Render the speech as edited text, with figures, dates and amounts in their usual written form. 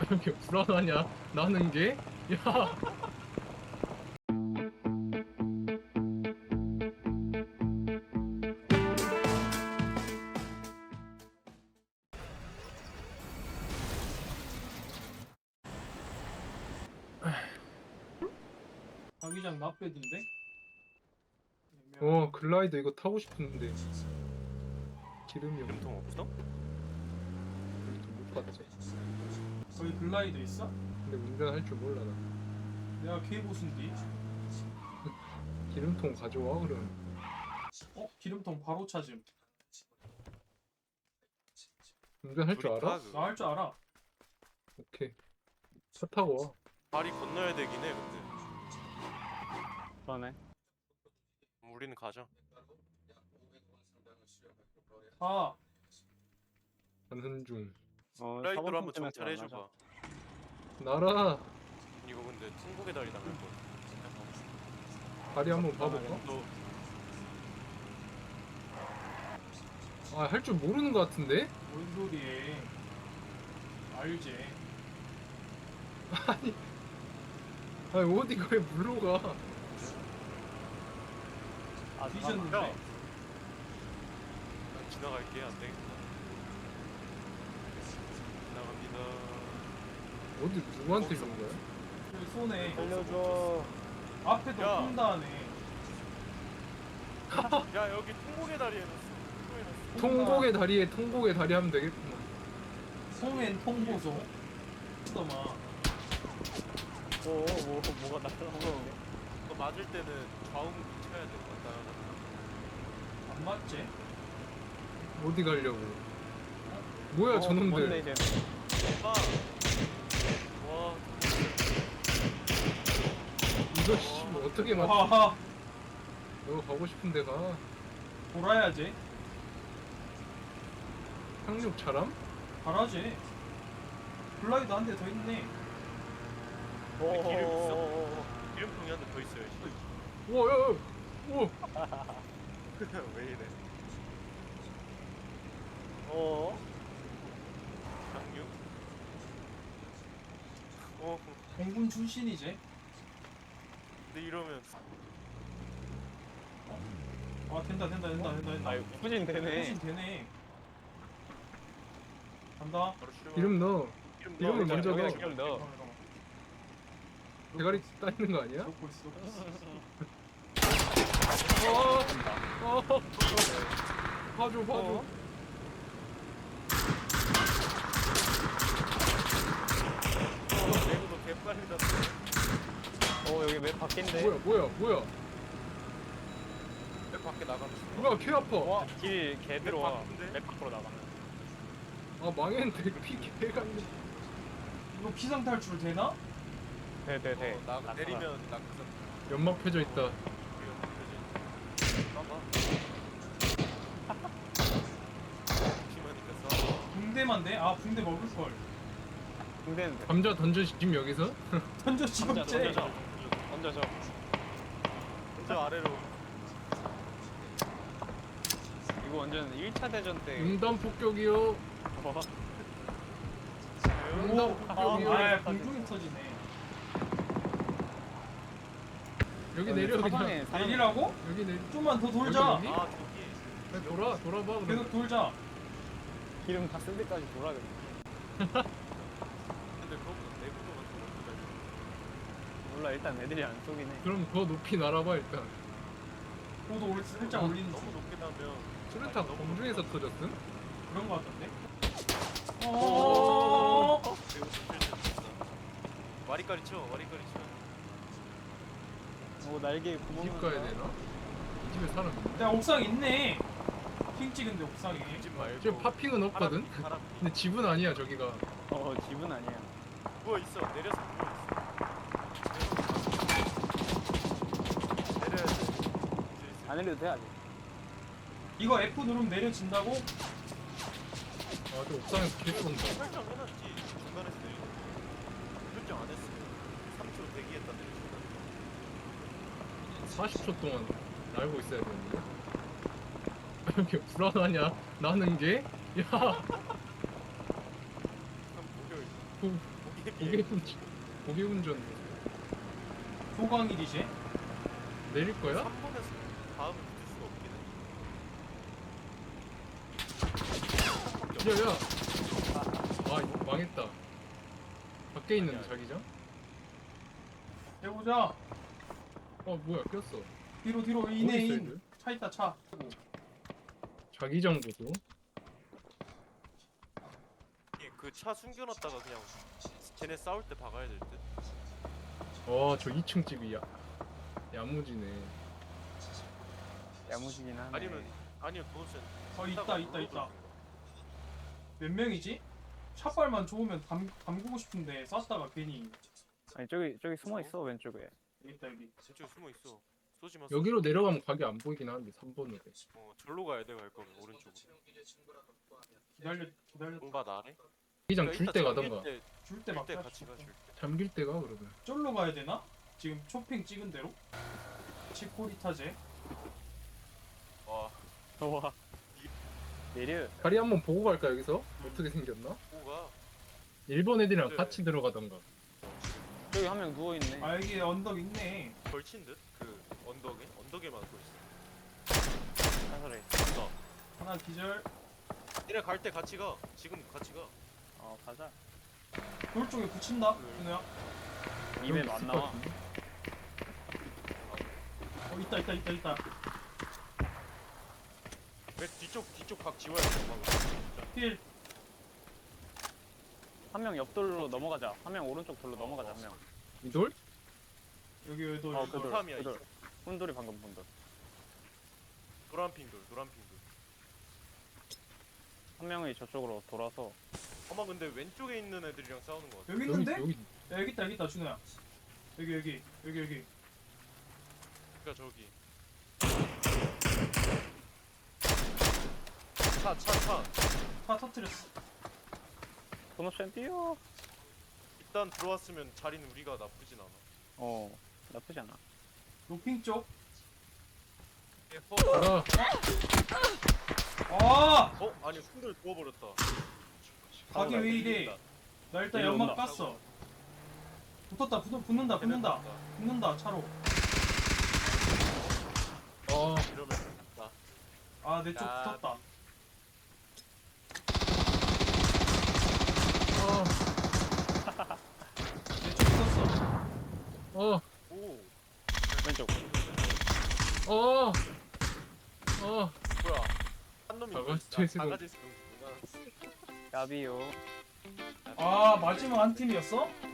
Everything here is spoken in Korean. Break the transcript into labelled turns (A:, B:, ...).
A: 이렇게 불안하냐? 나는 게? 야,
B: 자기장 나빼던데?
A: 글라이더 이거 타고 싶은데 기름이 없네.
C: 기름통 없어?
A: 못 받지.
B: 거기 글라이더 있어?
A: 근데 운전할 줄 몰라 나.
B: 내가 K보수인데?
A: 기름통 가져와 그럼.
B: 어? 기름통 바로 찾음.
A: 운전할 줄 알아?
B: 나 할 줄 알아.
A: 오케이. 차 타고 와.
C: 다리 건너야 되긴 해 근데
D: 그러네.
C: 우리는 가자.
B: 아,
A: 가는 중.
C: 라이드로 한번
D: 때문에
C: 정찰해줘봐.
A: 나라
C: 이거 근데 통곡의 다리 나갈 거야.
A: 다리 한번 봐볼까?
C: 너
A: 아, 할 줄 모르는 것 같은데?
B: 뭔 소리해. 알지.
A: 아니 어디가 왜 물러가?
D: 아,
B: 뒤졌는데?
C: 야! 난 지나갈게. 안 되겠다. 지나갑니다.
A: 어디 누구한테 준 거야?
B: 저기 손에
D: 살려줘.
B: 앞에도
C: 야.
B: 홈다네.
C: 야 여기 통곡의 다리 해놨어. 통곡 해놨어.
A: 통곡의 다리에 통곡의 다리 하면 되겠구만.
B: 송엔 통보소. 잠깐만.
D: 뭐가 날라오는데?
C: 너 맞을 때는 좌우向き쳐야 돼. 왔다 갔다.
B: 안 맞지?
A: 어디 가려고? 뭐야
D: 뭔데
A: 저놈들?
D: 이제?
C: 아! 와
A: 이거 씨 뭐 어떻게 맞?
B: 와,
A: 너 가고 싶은데 가.
B: 돌아야지.
A: 상륙 차람?
B: 잘하지. 글라이더 한 대 더 있네.
C: 기름통이 한 대 더 있어요.
A: 우와 야, 야. 우와.
C: 왜 이래? 강유?
B: 공군 출신이지.
C: 근데 이러면
B: 아, 된다.
D: 아, 후진 되네.
B: 훨씬 되네. 간다.
C: 바로 출발.
A: 기름 넣어. 기름을
C: 넣어.
A: 먼저 넣어.
D: 기름 넣어.
B: 잠깐만.
A: 대가리 따이는 거 아니야?
B: 넣고 있어.
A: 봐줘.
C: 내구도 개빨리 닿네.
D: 여기 맵 바뀐데?
A: 뭐야?
C: 내 밖에 나가면 죽어.
A: 뭐야 개 아파.
D: 와, 개 들어와.
C: 바쁜데?
D: 맵 밖으로 나가면.
A: 아 망했는데 피 개같네.
B: 이거 피상 탈출 되나?
D: 돼.
C: 나 내리면 낙하산.
A: 연막 펴져 있다.
C: 봐봐. 심하니까 써.
B: 붕대만 돼? 아, 붕대 먹을 걸.
D: 근데는 돼.
A: 감자 던져 지금 여기서?
B: 던져 지금째.
D: 던져줘.
C: 저 아래로.
D: 이거 완전 1차 대전 때.
A: 용단 폭격이요. 용단 폭격이요.
B: 아, 공중에 터지네.
A: 여기 내려
D: 사방에
A: 그냥.
D: 사람-
B: 내리라고?
A: 여기 내려.
B: 좀만 더 돌자.
A: 여기?
C: 아 저기.
A: 그냥 돌아봐 그럼.
B: 계속 돌자.
D: 기름 다 쓸 때까지 돌아야 돼.
C: 근데 그거보다 내구도가 좀 높다.
D: 몰라, 일단 애들이 안 쏘긴 해.
A: 그럼 더 높이 날아봐 일단.
B: 고도 살짝 올리는
C: 너무 높게 나면.
A: 수류탄 공중에서 터졌음?
B: 그런 거 같던데?
C: 매우 힘들다. 와리까리 쳐. 와리까리 쳐.
D: 날개에 구멍.
A: 집 가야 되나? 이 집에 사람 있나?
B: 야, 옥상 있네. 핑 찍은데 옥상에.
C: 집 말고.
A: 지금 파핑은 없거든?
C: 사람.
A: 근데 집은 아니야 저기가.
D: 집은 아니야.
C: 누워 있어. 내려서 누워 있어. 내려야 돼.
D: 안 해도 돼, 아직.
B: 이거 F 누르면 내려진다고?
A: 아 저 옥상에서 개 쏜다.
C: 설정 해놨지. 중간에서 내리는 거. 설정 안 했으면 3초 대기했다 내리는
A: 40초 동안 날고 있어야 되는데. 이렇게 불안하냐? 나는 게? 야!
C: 거. 목이
A: 고개 운전
B: 소강일이지?
A: 내릴 거야?
C: 3번에서 다음 붙을 수가 없긴 해.
A: 야야. 아 이거 망했다. 밖에 있는
C: 아니야.
A: 자기장?
B: 해보자.
A: 어 뭐야 꼈어.
B: 뒤로
A: 어디 있어,
B: 인해
A: 얘들?
B: 인. 차 있다 차.
A: 자기장 보소.
C: 그 차 숨겨놨다가 그냥 쟤네 싸울 때 박아야 될 듯.
A: 저 2층 집이야. 야무지네.
D: 야무지긴 하네.
C: 아니면 도넛은
B: 있다. 몇 명이지? 샷발만 좋으면 담그고 싶은데 쐈다가 괜히
D: 아니 저기 숨어 있어 왼쪽에.
B: 여기 있다 여기.
C: 저쪽 숨어 있어. 쏘지 마.
A: 여기로 내려가면 각이 안 보이긴 하는데 3번으로.
C: 절로 가야 돼 갈 거면 오른쪽으로.
B: 기다려.
C: 공밭 아래?
A: 자기장 줄 때 가던가.
B: 줄 때 막.
C: 줄때 같이 가 줄 때.
A: 잠길 때가 그러면.
B: 쫄로 가야 되나? 지금 쇼핑 찍은 대로? 치코리타제.
C: 와
D: 와. 내려.
A: 다리 한번 보고 갈까 여기서? 어떻게 생겼나?
C: 뭐가?
A: 일본 애들이랑
C: 그래.
A: 같이 들어가던가.
D: 저기 한 명 누워 있네.
B: 아 여기 언덕 있네.
C: 걸친 듯? 그 언덕에만 걸쳐.
D: 사설에.
C: 나.
B: 하나 기절.
C: 얘네 갈 때 같이 가. 지금 같이 가.
D: 가자.
B: 돌 쪽에 붙인다. 준호야.
D: 입에
A: 여기
D: 안
A: 있을
D: 나와.
A: 것 같은데?
B: 있다.
C: 왜 뒤쪽 각 지워야 돼. 방금.
B: 필.
D: 한 명 옆돌로 넘어가자. 한 명 오른쪽 돌로 넘어가자 한 명.
A: 이돌?
B: 여기 돌.
D: 그 돌.
C: 팜이야,
D: 그 돌.
C: 이쪽.
D: 혼돌이 방금 본 돌.
C: 노란핑돌.
D: 한 명이 저쪽으로 돌아서.
C: 아마 근데 왼쪽에 있는 애들이랑 싸우는 거 같아.
B: 여기 있는데?
A: 여기
B: 야, 여기 있다 준호야. 여기.
C: 그니까 저기. 차.
B: 다 터트렸어.
D: 도넛션 뛰어.
C: 일단 들어왔으면 자리는 우리가 나쁘진 않아.
D: 나쁘지 않아.
B: 노핑 쪽.
A: 가라.
B: 아!
C: 아니 손들 부어버렸다.
B: 가게 왜 이래? 나 일단
D: 일로
B: 연막
D: 온다.
B: 깠어. 붙는다 차로.
C: 이러면 나.
B: 아 내 쪽
C: 야.
B: 붙었다. 내 쪽 붙었어.
A: 어.
C: 오.
D: 왼쪽.
C: 뭐야? 한 놈이
A: 다
C: 이거
A: 같이
C: 있어.
A: 있으면-
C: 다 같이 있으면
D: 야비요.
B: 아 마지막 한 팀이었어?